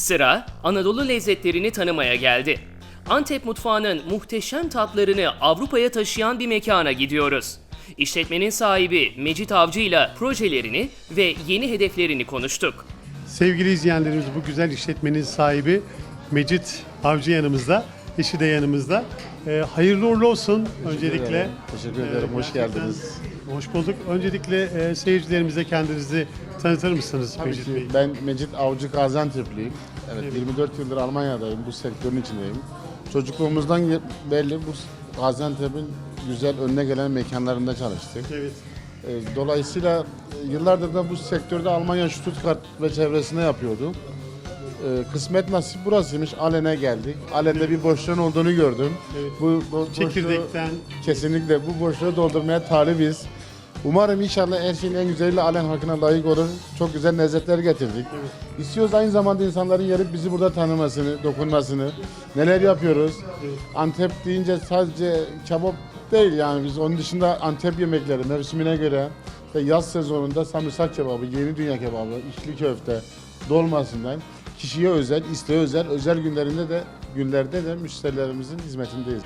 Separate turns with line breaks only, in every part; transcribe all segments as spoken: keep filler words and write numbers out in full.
Sıra Anadolu lezzetlerini tanımaya geldi. Antep mutfağının muhteşem tatlarını Avrupa'ya taşıyan bir mekana gidiyoruz. İşletmenin sahibi Mecit Avcı ile projelerini ve yeni hedeflerini konuştuk.
Sevgili izleyenlerimiz, bu güzel işletmenin sahibi Mecit Avcı yanımızda, eşi de yanımızda. Ee, hayırlı uğurlu olsun öncelikle.
Ederim. Teşekkür ederim,
Ee,
hoş geldiniz.
Hoş bulduk. Öncelikle e, seyircilerimize kendinizi tanıtır mısınız
Tabii
Mecit
ki
Bey?
ben Mecit Avcı Gaziantep'liyim. Evet,
Evet.
yirmi dört yıldır Almanya'dayım, bu sektörün içindeyim. Çocukluğumuzdan ye- belli bu Gaziantep'in güzel önüne gelen mekanlarında çalıştık.
Evet.
Ee, Dolayısıyla e, yıllardır da bu sektörde Almanya, Stuttgart ve çevresinde yapıyordum. Ee, Kısmet nasip burasıymış, Alen'e geldik. Alen'de bir boşluğun olduğunu gördüm.
Evet.
Bu, bu boşluğu-
Çekirdekten.
Kesinlikle bu boşluğu doldurmaya talibiz. Umarım inşallah her şeyin en güzeliyle Alen halkına layık olur. Çok güzel lezzetler getirdik.
Evet.
İstiyoruz aynı zamanda insanların gelip bizi burada tanımasını, dokunmasını, neler yapıyoruz.
Evet.
Antep deyince sadece kebap değil, yani biz onun dışında Antep yemekleri mevsimine göre ve yaz sezonunda samırsak kebabı, yeni dünya kebabı, içli köfte, dolmasından kişiye özel, isteğe özel, özel günlerinde de günlerde de müşterilerimizin hizmetindeyiz.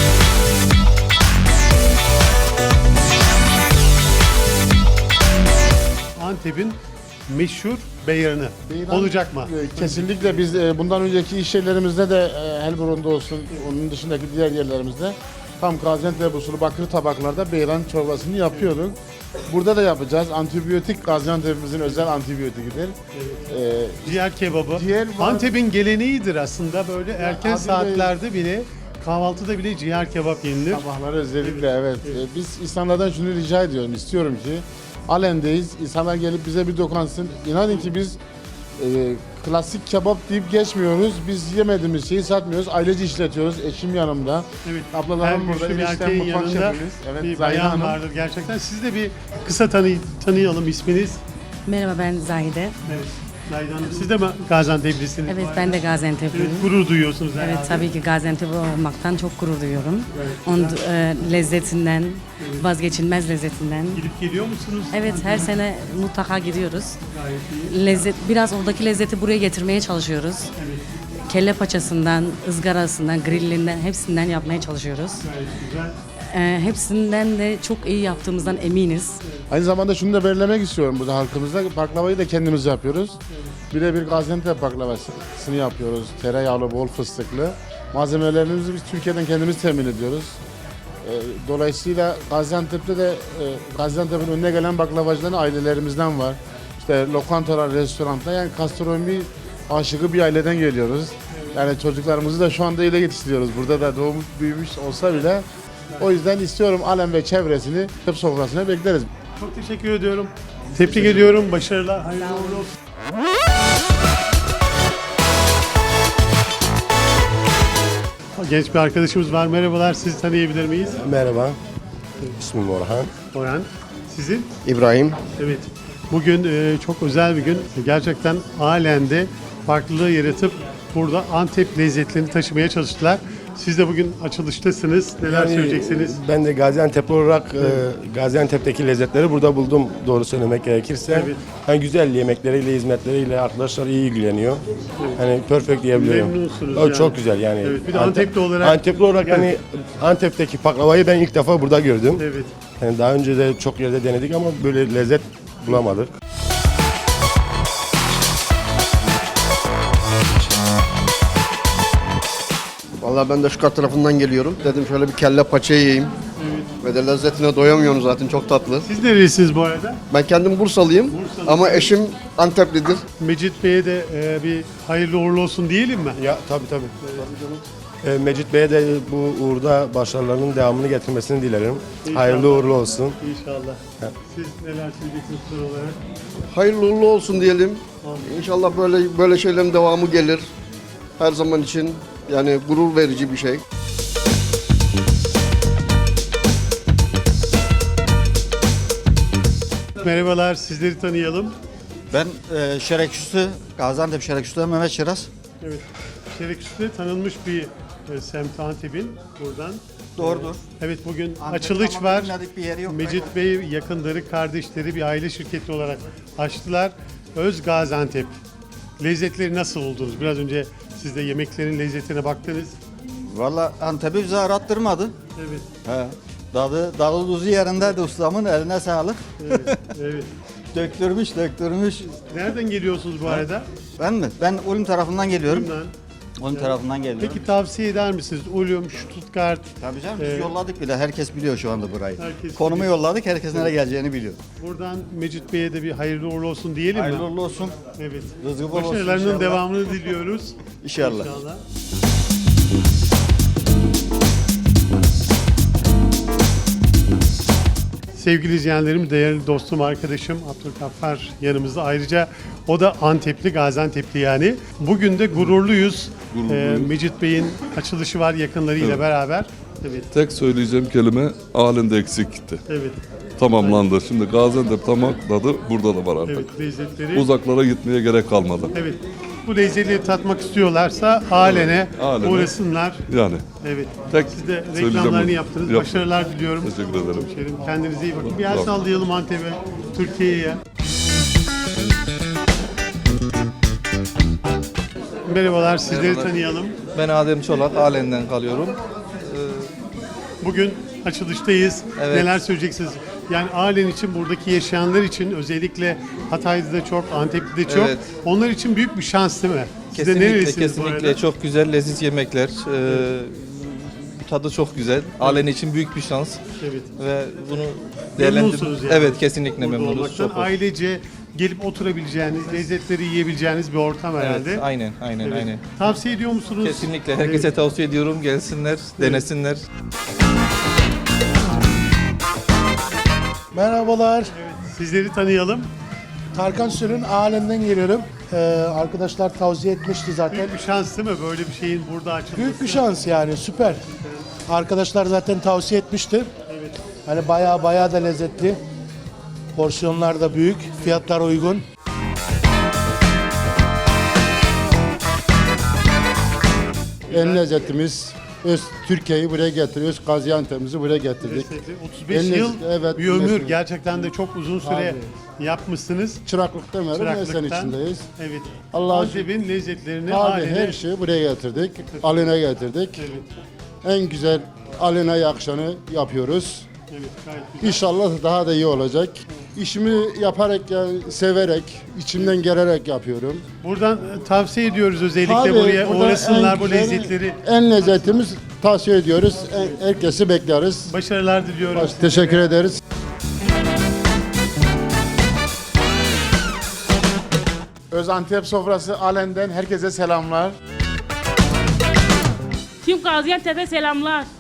Antep'in meşhur beyranı
Beyran,
olacak mı?
e, Kesinlikle biz e, bundan önceki iş yerlerimizde de e, Helburun'da olsun, onun dışındaki diğer yerlerimizde tam Gaziantep usulü bakır tabaklarda beyran çorbasını yapıyorduk. Burada da yapacağız. Antibiyotik Gaziantep'imizin özel antibiyotikidir. E,
Ciğer kebabı.
Ciğer var.
Antep'in geleneğidir aslında, böyle erken
Adil Bey-
saatlerde bile, kahvaltıda bile ciğer kebap yenilir.
Sabahları özellikle evet. E, biz insanlardan şunu rica ediyorum, istiyorum ki Alen'deyiz. İnsanlar gelip bize bir dokunsın. İnanın ki biz e, klasik kebap deyip geçmiyoruz. Biz yemediğimiz şeyi satmıyoruz. Ailece işletiyoruz. Eşim yanımda.
Evet.
Ablalarım
Her
burada.
güçlü bir
eniştem
erkeğin
mutfak
yanında
şefimiz. Evet,
bir
Zahide
bayan
Hanım.
vardır gerçekten. Siz de bir kısa tanı tanıyalım isminiz.
Merhaba, ben Zahide.
Evet. Zahide Hanım, siz de mi Gaziantep'lisiniz?
Evet,
bu
ben
arada?
de Gaziantep'liyim.
Evet, gurur duyuyorsunuz herhalde.
Evet, tabii ki Gaziantep olmaktan çok gurur duyuyorum.
Evet,
Onun
güzel.
e, lezzetinden, vazgeçilmez lezzetinden.
Gidip geliyor musunuz?
Evet, her sene mutlaka gidiyoruz.
Gayet iyi.
Lezzet, biraz oradaki lezzeti buraya getirmeye çalışıyoruz.
Evet,
Kelle paçasından, ızgarasından, grillinden hepsinden yapmaya çalışıyoruz.
gayet güzel.
E, hepsinden de çok iyi yaptığımızdan eminiz.
Aynı zamanda şunu da belirlemek istiyorum burada halkımızda. Baklavayı da kendimiz yapıyoruz. Birebir Gaziantep baklavasını yapıyoruz. Tereyağlı, bol fıstıklı. Malzemelerimizi biz Türkiye'den kendimiz temin ediyoruz. Ee, Dolayısıyla Gaziantep'te de e, Gaziantep'in önüne gelen baklavacıların ailelerimizden var. İşte lokantalar, restoranlar, yani gastronomi aşığı bir aileden geliyoruz. Yani çocuklarımızı da şu anda öyle yetiştiriyoruz. Burada da doğmuş büyümüş olsa bile. O yüzden istiyorum Alem ve çevresini hep sofrasına bekleriz.
Çok teşekkür ediyorum. Tebrik ediyorum. Başarılar. Hayırlı uğurlu olsun. Genç bir arkadaşımız var. Merhabalar. Sizi tanıyabilir miyiz?
Merhaba, ismim Orhan.
Orhan. Sizin?
İbrahim.
Evet. Bugün e, çok özel bir gün. Gerçekten Alen'de farklılığı yaratıp burada Antep lezzetlerini taşımaya çalıştılar. Siz de bugün açılıştasınız. Neler
Yani,
söyleyeceksiniz?
Ben de Gaziantep'li olarak e, Gaziantep'teki lezzetleri burada buldum, doğru söylemek gerekirse.
Evet.
Yani güzel yemekleriyle, hizmetleriyle arkadaşlar iyi ilgileniyor. Hani perfect diyebiliyorum.
Memnunsunuz
O
yani.
çok güzel yani.
Evet, bir de Antepli olarak-
Antepli olarak hani Antep'teki baklavayı ben ilk defa burada gördüm.
Evet.
Yani daha önce de çok yerde denedik ama böyle lezzet bulamadık.
Vallahi ben de şu kat tarafından geliyorum. Dedim şöyle bir kelle paça yiyeyim. Ve de lezzetine doyamıyorsunuz, zaten çok tatlı.
Siz nerelisiniz bu arada?
Ben kendim Bursalıyım
Bursalı.
ama eşim Anteplidir.
Mecit Bey'e de e, bir hayırlı uğurlu olsun diyelim mi?
Ya tabii tabii. E, Mecit Bey'e de bu uğurda başarılarının devamını getirmesini dilerim.
İnşallah.
Hayırlı uğurlu olsun.
İnşallah. Siz neler söyleyeceksiniz son olarak?
Hayırlı uğurlu olsun diyelim. İnşallah böyle böyle şeylerin devamı gelir. Her zaman için yani gurur verici bir şey.
Merhabalar, sizleri tanıyalım.
Ben e, Şereküstü, Gaziantep Şereküstü Mehmet Şiraz.
Evet, Şereküstü'de tanınmış bir e, semt Antep'in buradan.
Doğrudur.
Evet, bugün
Antep'te
açılış
ama
var.
bilinmedik bir yeri yok.
Mecit Bey yakınları, kardeşleri bir aile şirketi olarak açtılar. Öz Gaziantep lezzetleri nasıl buldunuz? Biraz önce siz de yemeklerin lezzetine baktınız.
Valla Antep'i bize arattırmadı.
Evet,
He. Tadı, tadı tuzu yerindeydi ustamın, eline sağlık.
evet, evet.
Döktürmüş, döktürmüş.
Nereden geliyorsunuz bu arada?
Ben mi? Ben Ulm tarafından geliyorum.
Bundan.
Ulm tarafından geliyorum.
Peki tavsiye eder misiniz? Ulum, Stuttgart.
Tabii canım biz
Ee,
yolladık bile. Herkes biliyor şu anda burayı.
Herkes
Konumu
biliyor.
yolladık. Herkes nereye geleceğini biliyor.
Buradan Mecit Bey'e de bir hayırlı uğurlu olsun diyelim
Hayırlı
mi?
uğurlu olsun.
Evet.
Rızkı bol olsun
Başarılarının
inşallah.
devamını diliyoruz.
İnşallah.
İnşallah. Sevgili izleyenlerim, değerli dostum, arkadaşım Abdülgaffar yanımızda. Ayrıca o da Antepli, Gaziantep'li yani. Bugün de gururluyuz. Ee, Mecit Bey'in açılışı var yakınlarıyla
Evet.
beraber. Evet,
Tek söyleyeceğim kelime halinde eksikti.
evet,
Tamamlandı. Şimdi Gaziantep tamamladı. Burada da var artık.
evet lezzetleri.
Uzaklara gitmeye gerek kalmadı.
Evet. Bu lezzetleri tatmak istiyorlarsa Alen'e
Alen'e.
uğrasınlar.
Yani
Evet.
tek
Siz de
söyleyeceğim
reklamlarını
bu.
yaptınız.
Yap-
Başarılar diliyorum.
Teşekkür ederim.
Hemşerim, kendinize iyi bakın. Bir el
Sağ olun.
sallayalım Antep'e, Türkiye'ye. Merhabalar, sizleri tanıyalım.
Ben Adem Çolak, Alen'den kalıyorum.
Bugün açılıştayız.
Evet.
Neler söyleyeceksiniz? Yani Alen için, buradaki yaşayanlar için, özellikle Hatay'da da çok, Antep'te de çok.
Evet.
Onlar için büyük bir şans değil mi? Siz de
Kesinlikle,
nerelisiniz bu
kesinlikle
arada?
çok güzel, leziz yemekler. Ee, tadı çok güzel. Alen için büyük bir şans
Evet.
ve bunu
Memnunsunuz
değerlendirmek.
yani.
Evet, kesinlikle
Burada
memnunuz.
olmaktan.
Çok hoş.
Ailece gelip oturabileceğiniz, lezzetleri yiyebileceğiniz bir ortam herhalde.
Evet, aynen, aynen,
Evet.
aynen.
Tavsiye ediyor musunuz?
Kesinlikle. Herkese
Evet.
tavsiye ediyorum. Gelsinler, denesinler.
Merhabalar.
Sizleri tanıyalım.
Tarkan Sürün Alem'den geliyorum. Ee, arkadaşlar tavsiye etmişti zaten.
Büyük bir şans değil mi böyle bir şeyin burada açılması?
Büyük bir şans yani, süper. Arkadaşlar zaten tavsiye etmişti. Hani bayağı bayağı da lezzetli. Porsiyonlar da büyük, fiyatlar uygun.
En lezzetimiz öz Türkiye'yi buraya getiriyoruz. Gaziantep'imizi buraya getirdik.
Lezzetli. otuz beş
En
yıl
lezzet- evet,
bir ömür.
lezzetli.
Gerçekten de çok uzun süre yapmışsınız.
Çıraklık demeyelim, mesleğin
Çıraklıktan.
içindeyiz.
Evet.
Allah'a
Antep'in lezzetlerini
Abi
haline...
her şeyi buraya getirdik. Aline getirdik.
Evet,
En güzel aline yakışanı yapıyoruz.
evet gayet güzel.
İnşallah daha da iyi olacak. İşimi yaparak, yani severek, içimden gelerek yapıyorum.
Buradan e, tavsiye ediyoruz özellikle
Tabii,
buraya
burada
uğrasınlar
en
bu
güzel,
lezzetleri.
En lezzetimiz tavsiye ediyoruz. En- Herkesi bekleriz.
Başarılar diliyorum.
Baş- teşekkür ederiz.
Özantep sofrası Alem'den herkese selamlar.
Tüm Gaziantep'e selamlar.